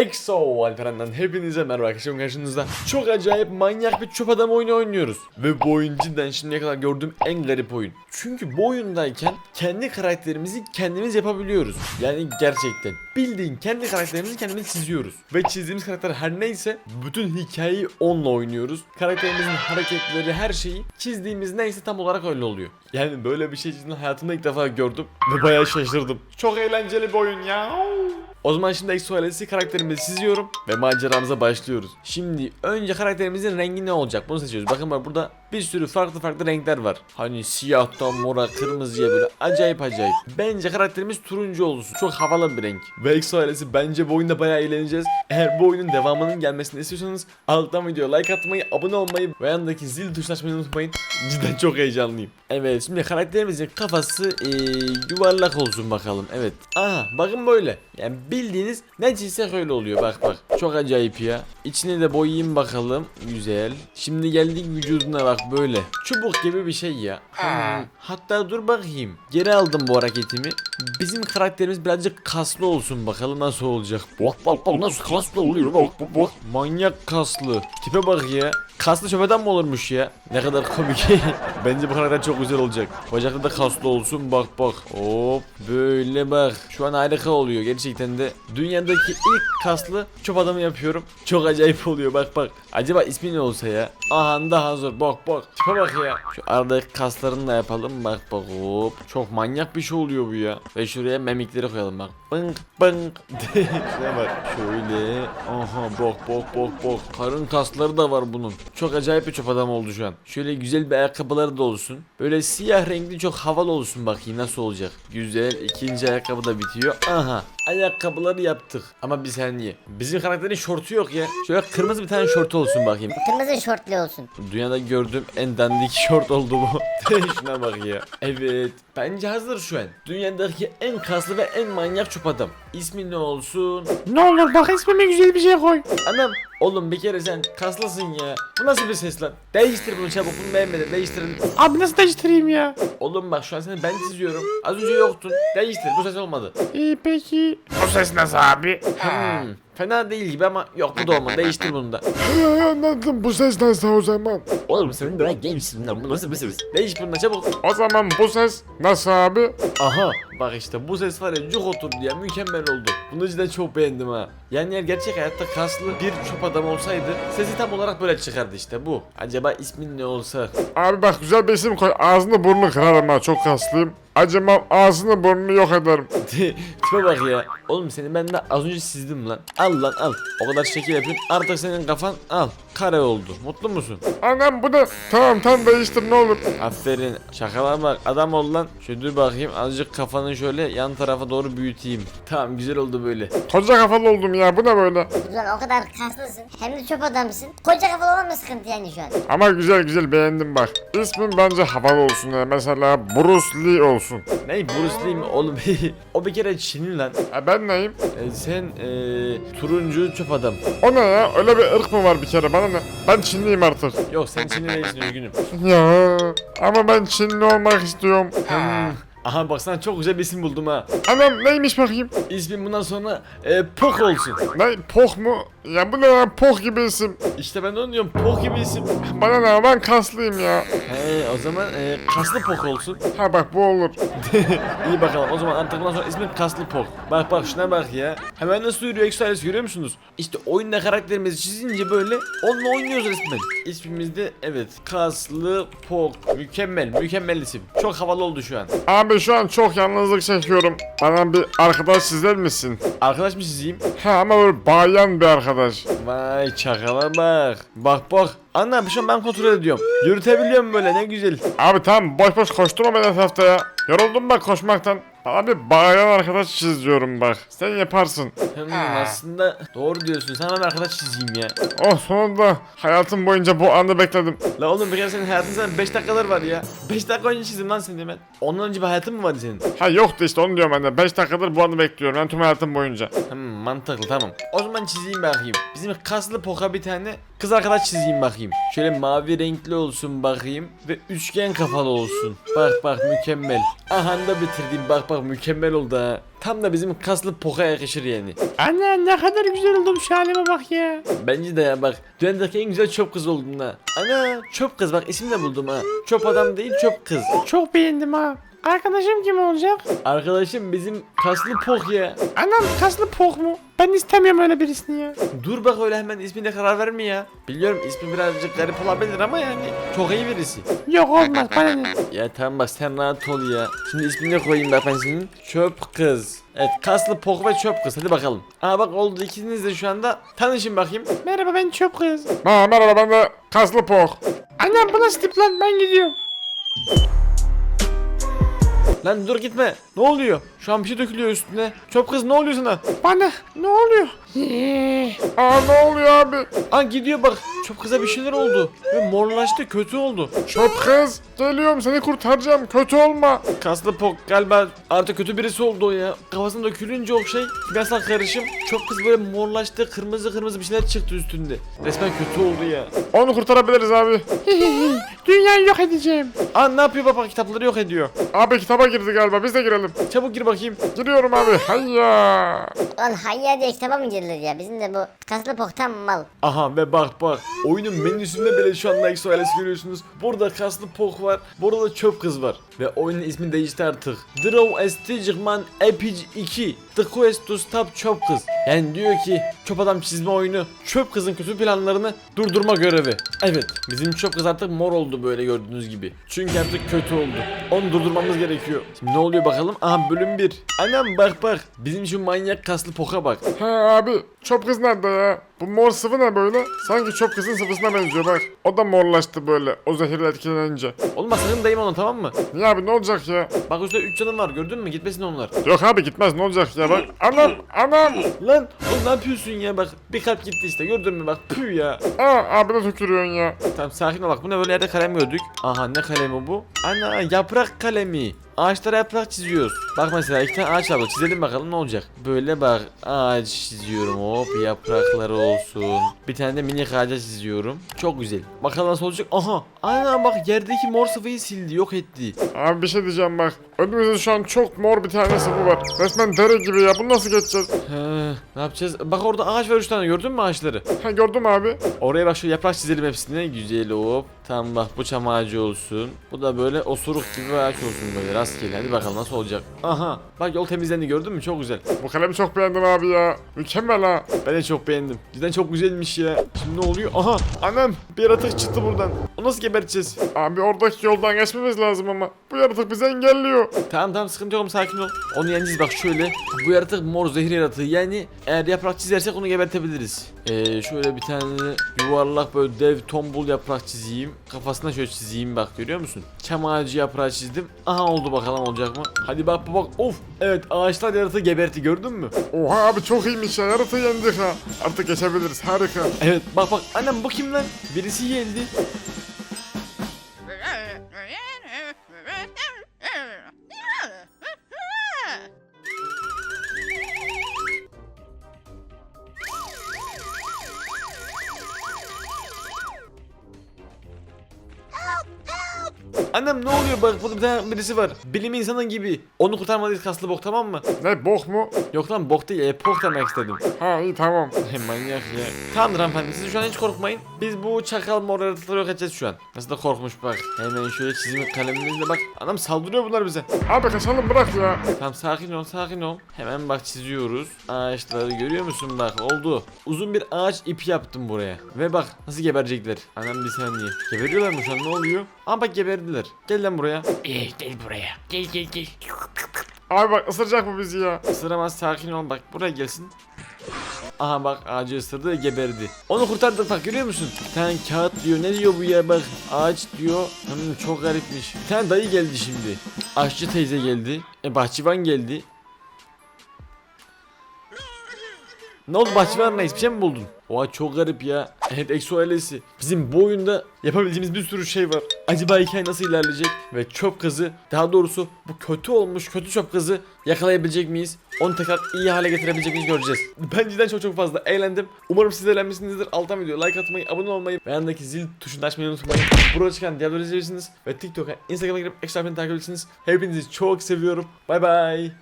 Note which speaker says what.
Speaker 1: EXO Alperen'den hepinize merhaba arkadaşlar, karşınızda çok acayip manyak bir çöp adam oyunu oynuyoruz. Ve bu oyun cidden şimdiye kadar gördüğüm en garip oyun. Çünkü bu oyundayken kendi karakterimizi kendimiz yapabiliyoruz. Yani gerçekten bildiğin kendi karakterimizi kendimiz çiziyoruz. Ve çizdiğimiz karakter her neyse bütün hikayeyi onunla oynuyoruz. Karakterimizin hareketleri, her şeyi çizdiğimiz neyse tam olarak öyle oluyor. Yani böyle bir şey cidden hayatımda ilk defa gördüm ve bayağı şaşırdım. Çok eğlenceli bir oyun ya. O zaman şimdi EXO ailesi karakterimizi çiziyorum ve maceramıza başlıyoruz. Şimdi önce karakterimizin rengi ne olacak bunu seçiyoruz. Bakın bak, burada bir sürü farklı renkler var. Hani siyahtan mora, kırmızıya, böyle acayip. Bence karakterimiz turuncu olsun. Çok havalı bir renk. Ve EXO ailesi bence bu oyunda bayağı eğleneceğiz. Eğer bu oyunun devamının gelmesini istiyorsanız alttan videoya like atmayı, abone olmayı ve yanındaki zil tuşuna açmayı unutmayın. Cidden çok heyecanlıyım. Evet, şimdi karakterimizin kafası yuvarlak olsun bakalım. Evet. Aha, bakın böyle. Yani bildiğiniz ne çizsek öyle oluyor. Bak. Çok acayip ya. İçini de boyayayım bakalım. Güzel. Şimdi geldik vücuduna, bak böyle. Çubuk gibi bir şey ya. Hatta dur bakayım. Geri aldım bu hareketimi. Bizim karakterimiz birazcık kaslı olsun bakalım nasıl olacak. Bak nasıl kaslı oluyor. Bak. Manyak kaslı. Tipe bak ya. Kaslı şöpeden mi olurmuş ya? Ne kadar komik. Bence bu karakter çok güzel olacak. Bacaklı da kaslı olsun, bak. Hop böyle bak. Şu an harika oluyor gerçekten de. Dünyadaki ilk kaslı çöp adamı yapıyorum. Çok acayip oluyor, bak. Acaba ismi ne olsa ya? Aha da hazır, bak. Tipe bak ya. Şu aradaki kaslarını da yapalım, bak. Hop. Çok manyak bir şey oluyor bu ya. Ve şuraya memikleri koyalım bak. Bınk. Şuraya bak. Şöyle. Aha bak. Karın kasları da var bunun. Çok acayip bir çöp adam oldu şu an. Şöyle güzel bir ayakkabıları da olsun. Böyle siyah renkli çok havalı olsun, bakayım nasıl olacak. Güzel, ikinci ayakkabı da bitiyor. Aha, ayakkabıları yaptık. Ama bir saniye, bizim karakterin şortu yok ya. Şöyle kırmızı bir tane şortu olsun bakayım.
Speaker 2: Kırmızı şortlu olsun.
Speaker 1: Dünyada gördüğüm en dandik şort oldu bu. Şuna bak ya. Evet, bence hazır şu an. Dünyadaki en kaslı ve en manyak çöp adam. İsmi ne olsun?
Speaker 3: Ne olur bak, ismime güzel bir şey koy.
Speaker 1: Anam, oğlum bir kere sen kaslısın ya. Bu nasıl bir ses lan? Değiştir bunu çabuk, bunu beğenmedim, değiştirin.
Speaker 3: Abi nasıl değiştireyim ya?
Speaker 1: Oğlum bak, şu an seni ben çiziyorum. Az önce yoktun. Değiştir, bu ses olmadı.
Speaker 3: İyi peki. Bu ses nasıl abi?
Speaker 1: Fena değil gibi ama yok, bu da olmadı. Değiştir bunu da.
Speaker 3: Anladım, bu ses nasıl o zaman?
Speaker 1: Oğlum senin böyle gençsin lan, bu nasıl bir ses? Değiş bunu da çabuk.
Speaker 3: O zaman bu ses nasıl abi?
Speaker 1: Aha, bak işte bu ses var ya, cuk oturdu ya, mükemmel oldu. Bunu cidden çok beğendim ha. Yani eğer gerçek hayatta kaslı bir çöp adam olsaydı sesi tam olarak böyle çıkardı, işte bu. Acaba ismin ne olsa?
Speaker 3: Abi bak, güzel bir isim koy, ağzını burnunu kırarım ha, çok kaslıyım. Acımam, ağzını burnunu yok ederim.
Speaker 1: Tipe bak ya. Oğlum seni ben de az önce çizdim lan. Al lan al. O kadar şekil yapayım. Artık senin kafan al. Kare oldu. Mutlu musun?
Speaker 3: Anam bu da tamam değiştir ne olur.
Speaker 1: Aferin. Şakalar bak. Adam ol lan. Şöyle dur bakayım. Azıcık kafanı şöyle yan tarafa doğru büyüteyim. Tamam, güzel oldu böyle.
Speaker 3: Koca kafalı oldum ya, bu ne böyle?
Speaker 2: Güzel, o kadar kaslısın. Hem de çöp adamsın. Koca kafalı olan mı sıkıntı yani şu an?
Speaker 3: Ama güzel beğendim bak. İsmin bence havalı olsun ya, mesela Bruce Lee olsun.
Speaker 1: Ne Bruce Lee mi oğlum? O bir kere Çinli lan.
Speaker 3: Ben neyim?
Speaker 1: Sen turuncu çöp adam.
Speaker 3: O ne ya, öyle bir ırk mı var bir kere, bana ne? Ben Çinliyim artık.
Speaker 1: Yok, sen Çinli değilsin, üzgünüm.
Speaker 3: Ya ama ben Çinli olmak istiyorum.
Speaker 1: Aha baksana, çok güzel bir isim buldum ha.
Speaker 3: Anam neymiş bakayım?
Speaker 1: İsmin bundan sonra Pok olsun.
Speaker 3: Ne, Poh mu? Ya bu ne ya, Poh gibi isim.
Speaker 1: İşte ben de onu diyorum, Pok gibi isim.
Speaker 3: Bana ne, ben kaslıyım ya.
Speaker 1: He, o zaman kaslı Pok olsun.
Speaker 3: Ha bak, bu olur.
Speaker 1: İyi bakalım, o zaman artık bundan sonra ismin Kaslı Pok. Bak şuna bak ya. Hemen nasıl yürüyor EXO ailesi, görüyor musunuz? İşte oyunda karakterimizi çizince böyle onunla oynuyoruz resmen. İsmimiz de evet, Kaslı Pok. Mükemmel isim. Çok havalı oldu şu an.
Speaker 3: Abi şu an çok yalnızlık çekiyorum. Bana bir arkadaş çizer misin?
Speaker 1: Arkadaş mı çizeyim?
Speaker 3: Ha, ama böyle bayan bir arkadaş.
Speaker 1: Vay çakala bak. Bak. Anne, şu an ben kontrol ediyorum. Yürütebiliyorum böyle, ne güzel.
Speaker 3: Abi tamam, boş koşturma beni etrafta ya. Yoruldum bak koşmaktan. Abi bayan arkadaş çiz diyorum bak. Sen yaparsın.
Speaker 1: Aslında doğru diyorsun. Sana bir arkadaş çizeyim ya.
Speaker 3: Oh, sonunda hayatım boyunca bu anı bekledim.
Speaker 1: La oğlum, bir kere senin hayatın sana 5 dakikalar var ya. 5 dakika önce çizdim lan seni ben. Ondan önce bir hayatın mı vardı senin?
Speaker 3: Ha yoktu işte, onu diyorum ben de. 5 dakikadır bu anı bekliyorum ben tüm hayatım boyunca.
Speaker 1: Mantıklı, tamam. O zaman çizeyim bakayım. Bizim şimdi kaslı poka bir tane kız arkadaş çizeyim bakayım. Şöyle mavi renkli olsun bakayım ve üçgen kafalı olsun. Bak bak mükemmel. Aha da bitirdim, bak bak mükemmel oldu ha. Tam da bizim kaslı poka yakışır yani.
Speaker 3: Anne ne kadar güzel oldum şu halime bak ya.
Speaker 1: Bence de ya bak. Dünyadaki en güzel çöp kız oldun ha. Ana çöp kız, bak isim de buldum ha. Çöp adam değil, çöp kız.
Speaker 3: Çok beğendim ha. Arkadaşım kim olacak?
Speaker 1: Arkadaşım bizim kaslı pok ya.
Speaker 3: Anam kaslı pok mu? Ben istemiyorum öyle birisini ya.
Speaker 1: Dur bak öyle hemen ismine karar verme ya. Biliyorum ismi birazcık garip olabilir ama yani çok iyi birisi.
Speaker 3: Yok olmaz bana ne?
Speaker 1: Ya tamam bak sen rahat ol ya. Şimdi ismini koyayım bak ben senin. Çöp kız. Evet kaslı pok ve çöp kız, hadi bakalım. Aa bak oldu, ikiniz de şu anda tanışın bakayım.
Speaker 3: Merhaba ben çöp kız. Merhaba ben de kaslı pok. Annem bu nasıl tip lan, ben gidiyorum.
Speaker 1: Lan dur gitme. Ne oluyor? Şu an bir şey dökülüyor üstüne. Çöp kız ne oluyor sana?
Speaker 3: Bana ne oluyor? Aa ne oluyor abi?
Speaker 1: Aa gidiyor bak. Çöp kıza bir şeyler oldu. Ve morlaştı, kötü oldu.
Speaker 3: Çöp kız geliyorum seni kurtaracağım, kötü olma.
Speaker 1: Kaslı pok galiba artık kötü birisi oldu o ya. Kafasına dökülünce o şey kimyasal karışım. Çöp kız böyle morlaştı, kırmızı kırmızı bir şeyler çıktı üstünde. Resmen kötü oldu ya.
Speaker 3: Onu kurtarabiliriz abi. Dünyayı yok edeceğim.
Speaker 1: Aa ne yapıyor baba, kitapları yok ediyor.
Speaker 3: Abi kitaba girdi galiba, biz de girelim.
Speaker 1: Çabuk gir bakayım.
Speaker 3: Giriyorum abi, hayya.
Speaker 2: Lan hayya diye kitaba mı girilir ya? Bizim de bu kaslı poktan mal.
Speaker 1: Aha ve bak bak. Oyunun menüsünde bile şu anda Exo ailesi görüyorsunuz. Burada kaslı pok var. Burada da çöp kız var. Ve oyunun ismi değişti artık. Draw a Stigman Epic 2. The Quest to Stop Çöp Kız. Yani diyor ki çöp adam çizme oyunu çöp kızın kötü planlarını durdurma görevi. Evet bizim çöp kız artık mor oldu böyle gördüğünüz gibi. Çünkü artık kötü oldu. Onu durdurmamız gerekiyor. Şimdi ne oluyor bakalım? Aha bölüm 1. Anam bak bak. Bizim şu manyak kaslı poka bak.
Speaker 3: He abi, çöp kız nerede ya? Bu mor sıvı ne böyle? Sanki çöp kızın sıvısına benziyor bak. O da morlaştı böyle, o zehirle etkilenince.
Speaker 1: Olmaz sakın dayım onu, tamam mı?
Speaker 3: Niye abi, ne olacak ya?
Speaker 1: Bak üstte 3 canım var, gördün mü? Gitmesin onlar.
Speaker 3: Yok abi gitmez, ne olacak ya bak. Anam.
Speaker 1: Lan oğlum ne yapıyorsun ya, bak bir kalp gitti işte, gördün mü bak, püh ya.
Speaker 3: Aa abi de tükürüyorsun ya.
Speaker 1: Tamam sakin ol, bak bu ne böyle, yerde kalem gördük. Aha ne kalemi bu? Ana yaprak kalemi. Ağaçlara yaprak çiziyoruz. Bak mesela iki tane ağaç var, çizelim bakalım ne olacak. Böyle bak ağaç çiziyorum, hop yaprakları olsun. Bir tane de minik ağaca çiziyorum. Çok güzel. Bakalım nasıl olacak. Aha ana bak yerdeki mor sıvıyı sildi, yok etti.
Speaker 3: Abi bir şey diyeceğim bak. Önümüzde şu an çok mor bir tane sıvı var. Resmen dere gibi ya, bunu nasıl geçeceğiz?
Speaker 1: He, ne yapacağız? Bak orada ağaç var 3 tane, gördün mü ağaçları?
Speaker 3: Ha gördüm abi.
Speaker 1: Oraya bak şu yaprak çizelim hepsine. Güzel hop. Tamam bak bu çam ağacı olsun. Bu da böyle osuruk gibi bir ağaç olsun böyle rastgele. Hadi bakalım nasıl olacak. Aha bak yol temizlendi, gördün mü? Çok güzel.
Speaker 3: Bu kalemi çok beğendim abi ya. Mükemmel ha.
Speaker 1: Ben de çok beğendim. Cidden çok güzelmiş ya. Şimdi ne oluyor? Aha anam bir yaratık çıktı buradan. O nasıl geberteceğiz?
Speaker 3: Abi oradaki yoldan geçmemiz lazım ama. Bu yaratık bizi engelliyor.
Speaker 1: Tamam tamam sıkıntı yok, sakin ol. Onu yeneceğiz bak şöyle. Bu yaratık mor zehir yaratığı, yani eğer yaprak çizersek onu gebertebiliriz. Şöyle bir tane yuvarlak böyle dev tombul yaprak çizeyim. Kafasına şöyle çizeyim, bak görüyor musun? Çam ağacı yaprağı çizdim. Aha oldu, bakalım olacak mı? Hadi bak bak of. Evet ağaçlar yaratığı geberti, gördün mü?
Speaker 3: Oha abi çok iyiymiş ya, yaratığı yendik ha. Artık geçebiliriz, harika.
Speaker 1: Evet bak bak annem bu kim lan? Birisi geldi. Annem ne oluyor, bak burada bir tane birisi var. Bilim insanı gibi. Onu kurtarmalıyız kaslı bok, tamam mı?
Speaker 3: Ne bok mu?
Speaker 1: Yok lan bok değil, epok demek istedim.
Speaker 3: Ha iyi tamam.
Speaker 1: Manyak ya. Tamamdır hanımefendi, siz şu an hiç korkmayın. Biz bu çakal mor yaratıkları yok edeceğiz şu an. Nasıl da korkmuş bak. Hemen şöyle çizim kalemimizle bak. Anam saldırıyor bunlar bize.
Speaker 3: Abi kaçalım, bırak ya.
Speaker 1: Tamam sakin ol sakin ol. Hemen bak çiziyoruz. Ağaçları görüyor musun, bak oldu. Uzun bir ağaç ipi yaptım buraya. Ve bak nasıl geberecekler. Anam bir saniye. Geberiyorlar mı şu an, ne oluyor? Aa bak geberdiler. Gel lan buraya.
Speaker 4: Gel buraya. Gel.
Speaker 3: Abi bak ısıracak mı bizi ya?
Speaker 1: Isıramaz, sakin ol, bak buraya gelsin. Aha bak ağacı ısırdı ve geberdi. Onu kurtardık bak, görüyor musun? Bir tane kağıt diyor, ne diyor bu ya, bak ağaç diyor. Çok garipmiş. Bir tane dayı geldi şimdi. Aşçı teyze geldi. Bahçıvan geldi. Ne oldu bahçıvan reis, bir şey mi buldun? Oha çok garip ya. Evet Exo ailesi. Bizim bu oyunda yapabileceğimiz bir sürü şey var. Acaba hikaye nasıl ilerleyecek? Ve çöp kızı, daha doğrusu bu kötü olmuş kötü çöp kızı yakalayabilecek miyiz? Onu tekrar iyi hale getirebilecek miyiz göreceğiz. Ben cidden çok fazla eğlendim. Umarım siz de eğlenmişsinizdir. Alttan videoya like atmayı, abone olmayı ve yanındaki zil tuşunu açmayı unutmayın. Burada çıkan diğerleri izleyebilirsiniz. Ve TikTok'a, Instagram'a girip Exo takip edebilirsiniz. Hepinizi çok seviyorum. Bay bay.